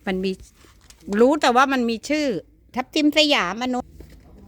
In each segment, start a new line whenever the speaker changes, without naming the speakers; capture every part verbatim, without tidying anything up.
มันมีรู้แต่ว่ามันมีชื่อ ทับทิมสยามมนุษย์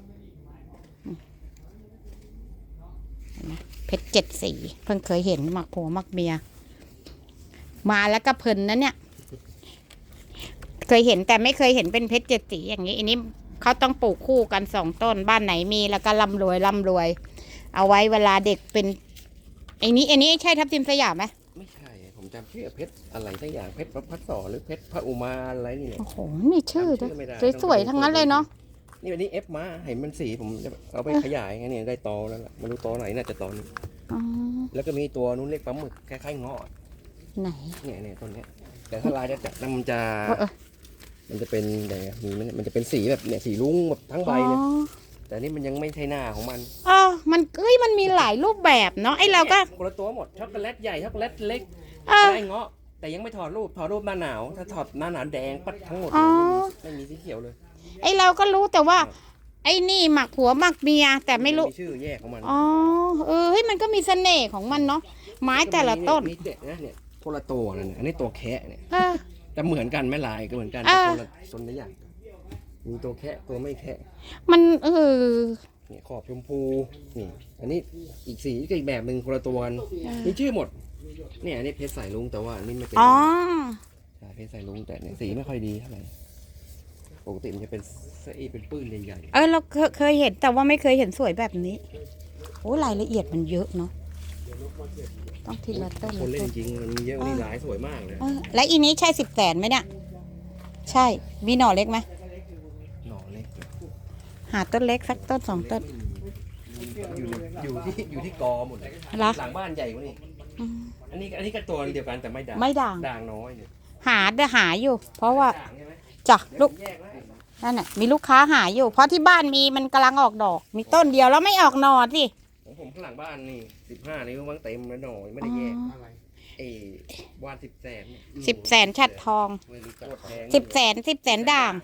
เพชรเจ็ดสีเพิ่งเคยเห็นมักผัวมักเมียมาแล้วก็เพลินนะเนี่ยเคยเห็นแต่ไม่เคยเห็นเป็นเพชรเจ็ดสีอย่างนี้อันนี้เขาต้องปลูกคู่กันสองต้นบ้านไหนมีแล้วก็ร่ำรวยร่ำรวย เอาไว้เวลาเด็กเป็นไอ้นี้อันนี้ใช่ทับทิมสยามไหม
ไม่ใช่ผมจำชื่อเพชรอะไรสักอย่างเพชรพระพัดสอหรือเพชรพระอุมาอะไรนี่เนี่ย
โอ้โหมีชื่อด้วยสวยๆทั้งนั้นเลยเนาะ
นี่วันนี้เอฟมาเห็นมันสีผมจะเอาไปขยายไงเนี่ยได้ตอแล้วล่ะไม่รู้ตอไหนน่าจะตอนี้แล้วก็มีตัวนู้นเล็กปลาหมึกคล้ายๆเงาะ
ไหน
เนี่ยเนี่ยต้นเนี้ยแต่ถ้าลายจะจัดมันจะมันจะเป็นอะไรมีมันมันจะเป็นสีแบบเนี่ยสีลุ้งแบบทั้งใบเลยแต่นี่มันยังไม่ใช่หน้าของมัน
อ๋อมันเอ้ยมันมีหลายรูปแบบเนาะไอเราก็
คนละตัวหมดช็อกโกแลตใหญ่ช็อกโกแลตเล็กไอ้เงาะแต่ยังไม่ถอดรูปถอดรูปหน้าหนาวถ้าถอดหน้าหนาวแดงปัดทั้งหมดไม่มีสีเขียวเลย
ไอเราก็รู้แต่ว่าไอ้นี่หมักผัวหมักเมียแต่ไม่รู้
ชื่อแยกของมัน
อ๋อเออเฮ้ยมันก็มีเสน่ห์ของมันเนาะไม้แต่ละต้น
มีเด็ดนะเนี่ยคนละตัวนั่นอันนี้ตัวแคะเนี่ยแต่เหมือนกันไม่ลายก็เหมือนกัน
แต่
คนละต้นละอย่างมีตัวแคะตัวไม่แคะ
มันเออ
เนี่ยขอบชมพูนี่อันนี้อีกสีก็อีกแบบหนึ่งคนละตัวมีชื่อหมดเนี่ยอันนี้เพชรสายลุงแต่ว่านี่ไม่เป็น
อ๋อ
ใช่เพชรสายลุงแต่เนี่ยสีไม่ค่อยดีเท่าไหร่ปกติมันจะเป็นเส้นเป็นปื้นใหญ่
ๆเออเราเคยเห็นแต่ว่าไม่เคยเห็นสวยแบบนี้โอ้รายละเอียดมันเยอะเนาะต้องทีละต้น
คนเล่นจริงมันเยอะนี่หลายสวยมากเลย
และอีนี้ใช่สิบแสนไหมเนี่ยใช่มีหน่อเล็กไหม
หน่อเล็ก
หาต้นเล็กสักต้นสองต้น
อยู่อยู่ที่อยู่ที่กอหมดเลยหลังบ้านใหญ่กว่านี้อันนี้อันนี้ก็ตัวเดียวกันแต่ไม่ด่าง
ไม่ด่าง
ด่างน้อยเนี่ย
หาเดี๋ยวหาอยู่เพราะว่าจ้ะลูกนั่นแหละมีลูกค้าหาอยู่เพราะที่บ้านมีมันกำลังออกดอกมีต้นเดียวแล้วไม่ออกหน่อสิ
ของผมข้างหลังบ้านนี่สิบห้านิ้วมั้งเต็มแล้วหน่อยไม่ได้แยกเอวานสิบแสน
สิบแสนฉัดทองสิบแสนสิบแสนด่าง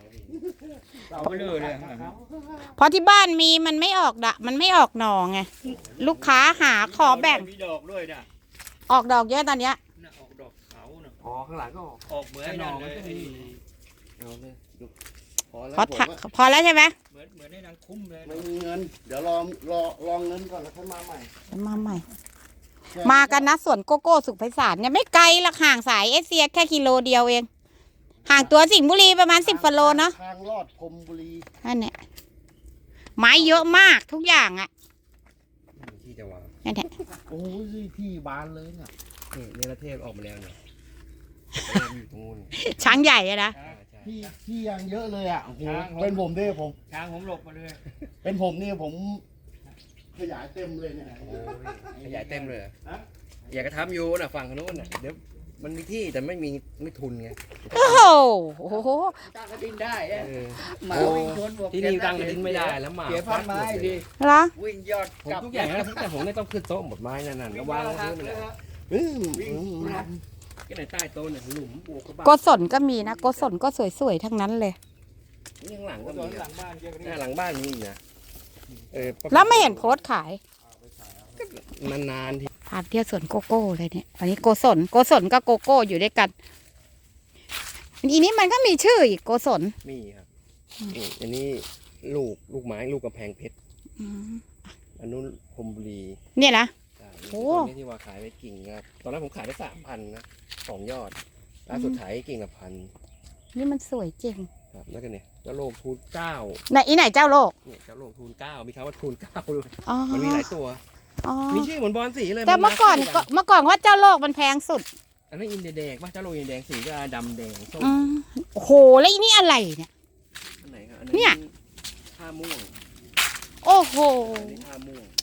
เพราะที่บ้านมีมันไม่ออกดะมันไม่ออกหน่อไงลูกค้าหาขอแบ่ง
มีดอกด้วยนะ
ออกดอกเยอะตอนเนี้ย
ออกดอกเขาเนาะ
อ๋อข้างหลังก็ออก
ออกเหมือนนั่นเลย
เอาเลย
พอแล้วพอแล้วใช่ไหม
เหมือนเหมือนในนางคุ้มเลย
ไม่มีเงินเดี๋ยวรอรอรอเงินก่อนแล้วค่อยมาใหม่
มาใหม่มากันนะสวนโกโก้สุขไพศาลเนี่ยไม่ไกลหรอกห่างสายเอเชียแค่กิโลเดียวเองห่างตัวสิงห์บุรีประมาณสิบกิโลเนาะ
ทางลอดพรมบุรี
นั่นเนี่ยไม้เยอะมากทุกอย่างอ่ะ
ที่จะวาง
นั่นแหละ
โอ้ยที่บานเลยเนี่ยนี่เนรเทศออกมาแล้วเนี่ยอยู่ตรงนู้น
ช้างใหญ่อะนะ
ที่ที่ยังเยอะเลยอ่ะเป็นผมด้วยผม
ช้างผมหลบมาเลย
เป็นผมนี่ผมขยายเต็มเลยเนี่ยขยายเต็มเลยอยากจะทำอยู่นะฝั่งโน้นน่ะเดี๋ยวมันมีที่แต่ไม่มีไม่ทุนไง
โอ้โห
ตั้งกระดิ่งได้หมาวิ่งชนบวก
ที่นี่ตั้งกระดิ่งไม่ได้แล้วหมา
เสียพันไม้ดิ
เหรอ
วิ่งยอด
ผมทุกอย่างนะแต่ผมไม่ต้องขึ้นโต๊ะหมดไม้นั่นน่ะก็วางพื้นเลยวิ่งก็ในใต้โต๊ะเนี่ยหลุมบวก
โกศลก็มีนะโกศลก็สวยๆทั้งนั้นเลย
นี่ข้างหลังก็มีหลังบ้านหลังบ้านมีนะ
แล้วไม่เห็นโพสต์ขาย
นานๆที
พาเที่ยวสวนโกโก้เลยเนี่ยอันนี้โกศลโกศลกับโกโก้อยู่ด้วยกันอีนี้มันก็มีชื่ออีกโกศล
มีครับอันนี้ลูกลูกไม้ลูกกระแพงเพชรอันนู้นพรมบุรี
เนี่ยนะ
โอ้ที่ว่าขายไปกิ่งครับตอนนั้นผมขายได้สามพันนะสองยอดล่าสุดขายกิ่งละพัน
นี่มันสวยจริง
ครับแล้วกันเนี่ยเจ้าโลกทูนเก้า
ไหนอีไหนเจ้าโลก
เนี่ยเจ้าโลกทูนเก้ามีคำว่าทูนเก้าด้วยมันมีหลายตัวมีชื่อเหมือนบอลสีเลย
แต่เมื่อก่อนเมื่อก่อนว่าเจ้าโลกมันแพงสุด
อันนั้นอินเดียแดงป่ะเจ้าโลกอินเดียแดงสีก็ดำแดงส้ม
โอ้โหแล้วอีนี่อะไรเนี่ย
อันไหนครับ
เนี่ย
ท่าม่วง
โอ้โห
ท่าม่วง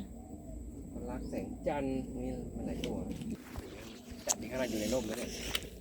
รักแสงจันทร์มีมันหลายตัวจับดีขนาดอยู่ในร่มแล้วเนี่ย